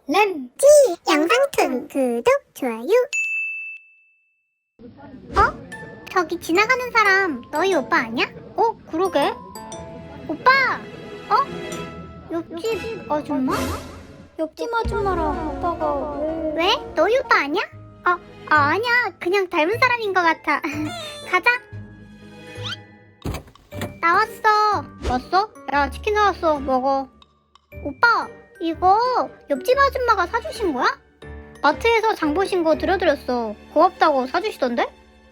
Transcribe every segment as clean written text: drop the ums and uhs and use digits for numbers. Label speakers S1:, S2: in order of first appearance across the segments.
S1: 램지 영상툰 구독, 좋아요. 저기 지나가는 사람 너희 오빠 아니야?
S2: 그러게.
S1: 오빠! 옆집 아줌마?
S2: 옆집 아줌마랑 오빠가
S1: 왜? 너희 오빠 아니야? 아니야. 그냥 닮은 사람인 것 같아. 가자. 나왔어.
S2: 왔어? 야, 치킨 나왔어. 먹어.
S1: 오빠, 이거 옆집 아줌마가 사주신 거야?
S2: 마트에서 장 보신 거 들여드렸어. 고맙다고 사주시던데?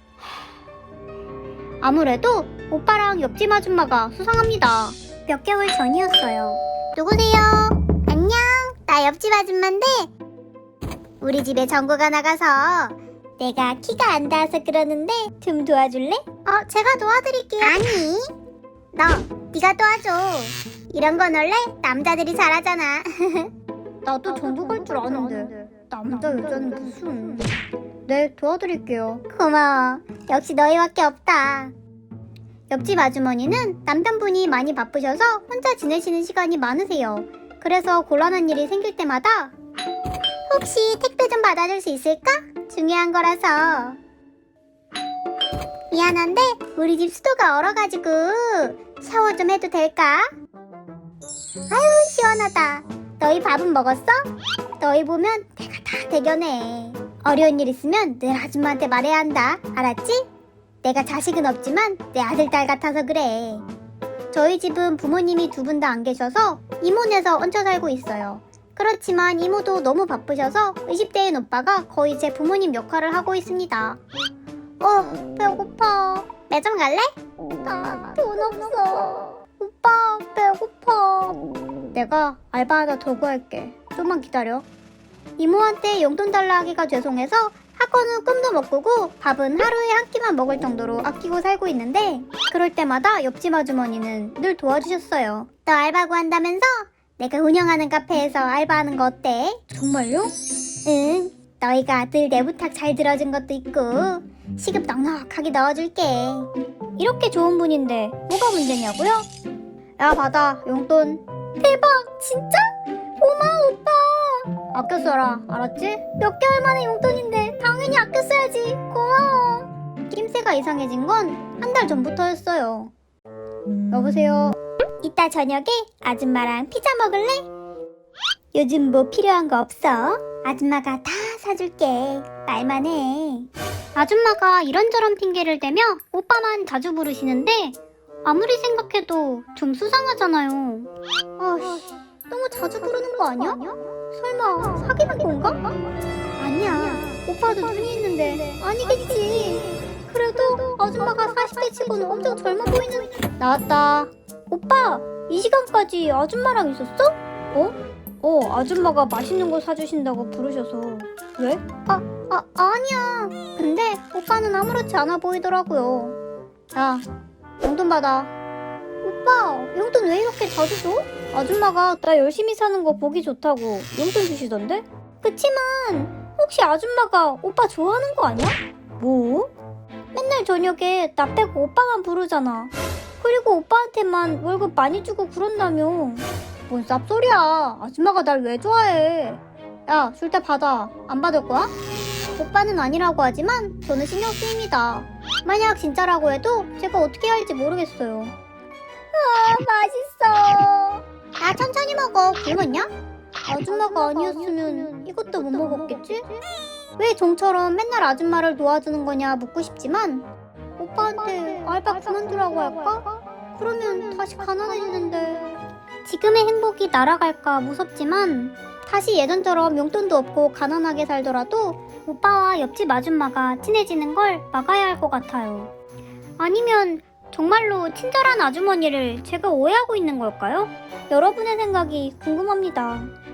S2: 아무래도 오빠랑 옆집 아줌마가 수상합니다.
S1: 몇 개월 전이었어요. 누구세요? 안녕. 나 옆집 아줌마인데 우리 집에 전구가 나가서 내가 키가 안 닿아서 그러는데 좀 도와줄래? 제가 도와드릴게요. 아니, 네가 도와줘. 이런 건 원래 남자들이 잘하잖아.
S2: 나도 전부 갈 줄 아는데 남자 여자는 무슨. 네, 도와드릴게요.
S1: 고마워. 역시 너희밖에 없다.
S2: 옆집 아주머니는 남편분이 많이 바쁘셔서 혼자 지내시는 시간이 많으세요. 그래서 곤란한 일이 생길 때마다
S1: 혹시 택배 좀 받아줄 수 있을까? 중요한 거라서. 미안한데 우리 집 수도가 얼어가지고 샤워 좀 해도 될까? 아유, 시원하다. 너희 밥은 먹었어? 너희 보면 내가 다 대견해. 어려운 일 있으면 늘 아줌마한테 말해야 한다. 알았지? 내가 자식은 없지만 내 아들, 딸 같아서 그래.
S2: 저희 집은 부모님이 두 분 다 안 계셔서 이모네서 얹혀 살고 있어요. 그렇지만 이모도 너무 바쁘셔서 20대인 오빠가 거의 제 부모님 역할을 하고 있습니다.
S1: 배고파. 매점 갈래?
S2: 나 돈 없어. 오빠, 배고파. 내가 알바 하나 더 구할게. 좀만 기다려. 이모한테 용돈 달라 하기가 죄송해서 학원은 꿈도 못 꾸고 밥은 하루에 한 끼만 먹을 정도로 아끼고 살고 있는데 그럴 때마다 옆집 아주머니는 늘 도와주셨어요.
S1: 너 알바 구한다면서? 내가 운영하는 카페에서 알바하는 거 어때?
S2: 정말요?
S1: 응. 너희가 늘 내 부탁 잘 들어준 것도 있고 시급 넉넉하게 넣어줄게.
S2: 이렇게 좋은 분인데 뭐가 문제냐고요? 야, 받아. 용돈.
S1: 대박! 진짜? 고마워, 오빠.
S2: 아껴 써라. 알았지?
S1: 몇 개월 만에 용돈인데 당연히 아껴 써야지. 고마워.
S2: 낌새가 이상해진 건 한 달 전부터였어요. 여보세요?
S1: 이따 저녁에 아줌마랑 피자 먹을래? 요즘 뭐 필요한 거 없어? 아줌마가 다 사줄게. 말만 해.
S2: 아줌마가 이런저런 핑계를 대며 오빠만 자주 부르시는데 아무리 생각해도 좀 수상하잖아요.
S1: 너무 자주 부르는 거 아니야? 설마 사귀는 건가?
S2: 아니야. 오빠도 눈이 있는데 아니겠지.
S1: 그래도 아줌마가 40대 치고는 엄청 젊어 보이는.
S2: 나왔다. 오빠, 이 시간까지 아줌마랑 있었어? 아줌마가 맛있는 거 사주신다고 부르셔서. 왜?
S1: 아니야.
S2: 근데 오빠는 아무렇지 않아 보이더라고요. 야, 용돈 받아.
S1: 오빠, 용돈 왜 이렇게 자주 줘?
S2: 아줌마가 나 열심히 사는 거 보기 좋다고 용돈 주시던데?
S1: 그치만 혹시 아줌마가 오빠 좋아하는 거 아니야?
S2: 뭐? 맨날 저녁에 나 빼고 오빠만 부르잖아. 그리고 오빠한테만 월급 많이 주고 그런다며. 뭔 쌉소리야. 아줌마가 날 왜 좋아해. 야, 줄 때 받아. 안 받을 거야? 오빠는 아니라고 하지만 저는 신경 쓰입니다. 만약 진짜라고 해도 제가 어떻게 해야 할지 모르겠어요.
S1: 맛있어. 나 천천히 먹어. 굶었냐?
S2: 아줌마가 아니었으면 이것도 못 먹었겠지? 왜 종처럼 맨날 아줌마를 도와주는 거냐 묻고 싶지만 오빠한테 알바 그만두라고 할까? 그러면 다시 가난해지는데. 지금의 행복이 날아갈까 무섭지만 다시 예전처럼 용돈도 없고 가난하게 살더라도 오빠와 옆집 아줌마가 친해지는 걸 막아야 할 것 같아요. 아니면 정말로 친절한 아주머니를 제가 오해하고 있는 걸까요? 여러분의 생각이 궁금합니다.